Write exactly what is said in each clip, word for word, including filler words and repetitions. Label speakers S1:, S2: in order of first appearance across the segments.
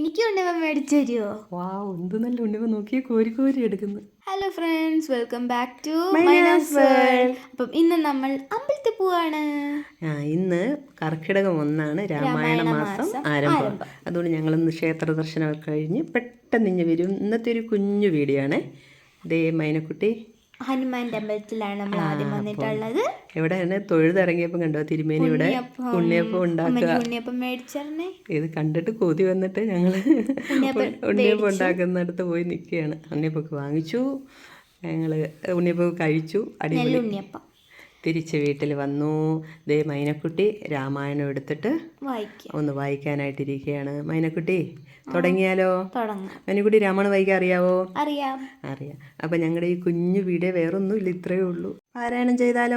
S1: എനിക്ക് ഉണ്ണിയപ്പം മേടിച്ചു തരുമോ?
S2: വാവ്, എന്ത് നല്ല ഉണ്ണിയപ്പം, നോക്കിയേ, കോരി കോരി എടുക്കുന്നു.
S1: Hello friends, welcome back to Maina's world. അപ്പം ഇന്ന് നമ്മൾ അമ്പലത്തിൽ പോവാണ്.
S2: ആ ഇന്ന് കർക്കിടകം ഒന്നാണ്, രാമായണ മാസം ആരംഭം. അതുകൊണ്ട് ഞങ്ങളിന്ന് ക്ഷേത്ര ദർശനമൊക്കെ കഴിഞ്ഞ് പെട്ടെന്ന് ഇഞ്ഞ് വരും. ഇന്നത്തെ ഒരു കുഞ്ഞു വീഡിയോ ആണ്. ദേ മൈനക്കുട്ടി
S1: ഹനുമാൻ്റെ അമ്പലത്തിലാണ് നമ്മൾ ആദ്യം വന്നിട്ടുള്ളത്.
S2: എവിടെയാണ് തൊഴുതിറങ്ങിയപ്പോൾ കണ്ടോ തിരുമേനി ഇവിടെ ഉണ്ണിയപ്പം ഉണ്ടാക്കുക.
S1: ഉണ്ണിയപ്പം മേടിച്ചേ.
S2: ഇത് കണ്ടിട്ട് കൊതി വന്നിട്ട് ഞങ്ങൾ ഉണ്ണിയപ്പം ഉണ്ടാക്കുന്നിടത്ത് പോയി നിൽക്കുകയാണ്. ഉണ്ണിയപ്പൊക്കെ വാങ്ങിച്ചു, ഞങ്ങൾ ഉണ്ണിയപ്പം കഴിച്ചു. അടിപൊളി ഉണ്ണിയപ്പം. തിരിച്ച് വീട്ടിൽ വന്നു. ദേ മൈനക്കുട്ടി രാമായണം എടുത്തിട്ട് ഒന്ന് വായിക്കാനായിട്ടിരിക്കുകയാണ്. മൈനക്കുട്ടി തുടങ്ങിയാലോ? മൈനക്കുട്ടി രാമായണം വായിക്കാൻ അറിയാവോ?
S1: അറിയാം
S2: അറിയാം അപ്പം ഞങ്ങളുടെ ഈ കുഞ്ഞു വീഡിയോ വേറൊന്നും ഇല്ല, ഇത്രയേ ഉള്ളൂ. പാരായണം ചെയ്താലോ?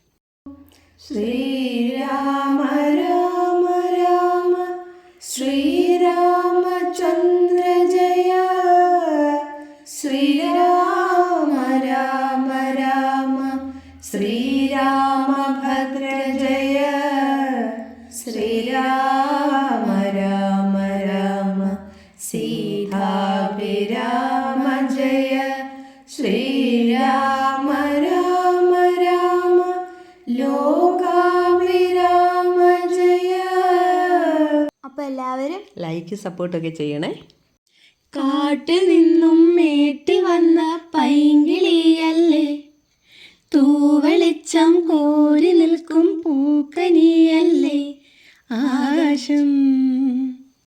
S3: ശ്രീരാമ രാമ രാമ ശ്രീരാമചന്ദ്ര ജയ, ശ്രീരാമ രാമ രാമ ശ്രീരാമഭദ്ര ജയ, ശ്രീരാമ രാമ രാമ സീതാഭിരാമ ജയ, ശ്രീരാമ രാമ രാമ ലോകാഭിരാമ ജയ.
S1: അപ്പോൾ എല്ലാവരും
S2: ലൈക്ക് സപ്പോർട്ടൊക്കെ ചെയ്യണേ.
S3: കാട്ടിൽ നിന്നും മേട്ടി വന്ന പൈങ്കിളിയല്ലേ, തൂവെളിച്ചം കോരി നിൽക്കും പൂക്കനിയല്ലേ, ആകാശം